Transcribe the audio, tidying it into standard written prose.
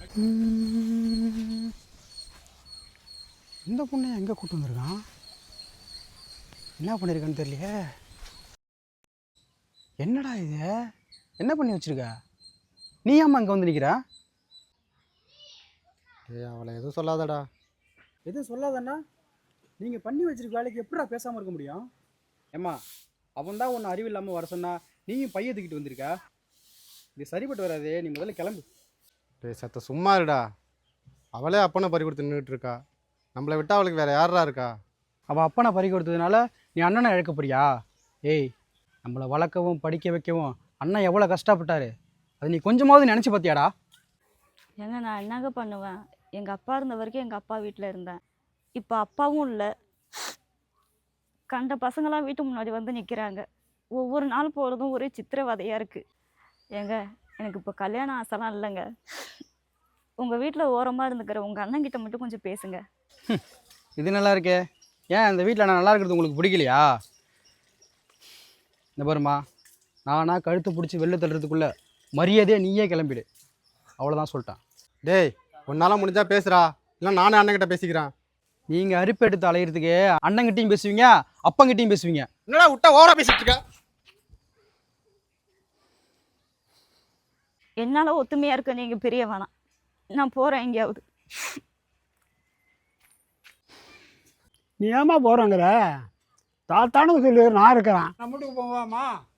இந்த பொண்ணை எங்கே கூட்டு வந்திருக்கான்? என்ன பண்ணியிருக்கான்னு தெரியலையே. என்னடா இது? என்ன பண்ணி வச்சிருக்க? நீ ஏம்மா இங்கே வந்து நிற்கிறா? அவளை எதுவும் சொல்லாதடா. எதுவும் சொல்லாதண்ணா? நீங்கள் பண்ணி வச்சிருக்க வேலைக்கு எப்படா பேசாமல் இருக்க முடியும்? ஏம்மா, அவன் தான் ஒன்று அறிவு இல்லாமல் வர சொன்னா நீயும் பைய தூக்கிட்டு வந்திருக்க. இது சரிப்பட்டு வராதே, நீ முதல்ல கிளம்பு. சத்த சும்மா இருடா. அவளே அப்பனை பறி கொடுத்து நின்றுட்டு இருக்கா. நம்மளை விட்டா அவளுக்கு வேற யாரா இருக்கா? அவள் அப்பனை பறி கொடுத்ததுனால நீ அண்ணனை இழக்க போறியா? ஏய், நம்மளை வளர்க்கவும் படிக்க வைக்கவும் அண்ணன் எவ்வளோ கஷ்டப்பட்டாரு. அது நீ கொஞ்சமாவது நினச்சி பார்த்தியாடா? ஏங்க நான் என்னங்க பண்ணுவேன்? எங்கள் அப்பா இருந்த வரைக்கும் எங்கள் அப்பா வீட்டில் இருந்தேன். இப்போ அப்பாவும் இல்லை. கண்ட பசங்களாம் வீட்டு முன்னாடி வந்து நிற்கிறாங்க. ஒவ்வொரு நாள் போகிறதும் ஒரே சித்திரவதையாக இருக்குது. ஏங்க எனக்கு இப்போ கல்யாணம் ஆசைலாம் இல்லைங்க. உங்கள் வீட்டில் ஓரமாக இருந்துக்கிற உங்கள் அண்ணன்கிட்ட மட்டும் கொஞ்சம் பேசுங்க. இது நல்லா இருக்கே. ஏன் இந்த வீட்டில் நான் நல்லா இருக்கிறது உங்களுக்கு பிடிக்கலையா? இந்த பாருமா, நானா கழுத்து பிடிச்சி வெளில தள்ளுறதுக்குள்ளே மரியாதையே நீயே கிளம்பிடு. அவ்வளோதான் சொல்லிட்டேன். டேய், உன்னால முடிஞ்சா பேசுறா, இல்லை நானே அண்ணன்கிட்ட பேசிக்கிறேன். நீங்கள் அரிப்பு எடுத்து அலையிறதுக்கு அண்ணங்கிட்டையும் பேசுவீங்க, அப்பங்கிட்டையும் பேசுவீங்க. என்னடா விட்டா ஓவரா பேசிட்டு இருக்க? என்னால் ஒத்துமையாக இருக்க நீங்கள் பெரிய வேணாம். நான் போகிறேன் எங்கேயாவது. நீ ஏமா போகிறோங்கிற? தாத்தானு சொல்லி நான் இருக்கிறேன். நம்மளுக்கு போவாமா?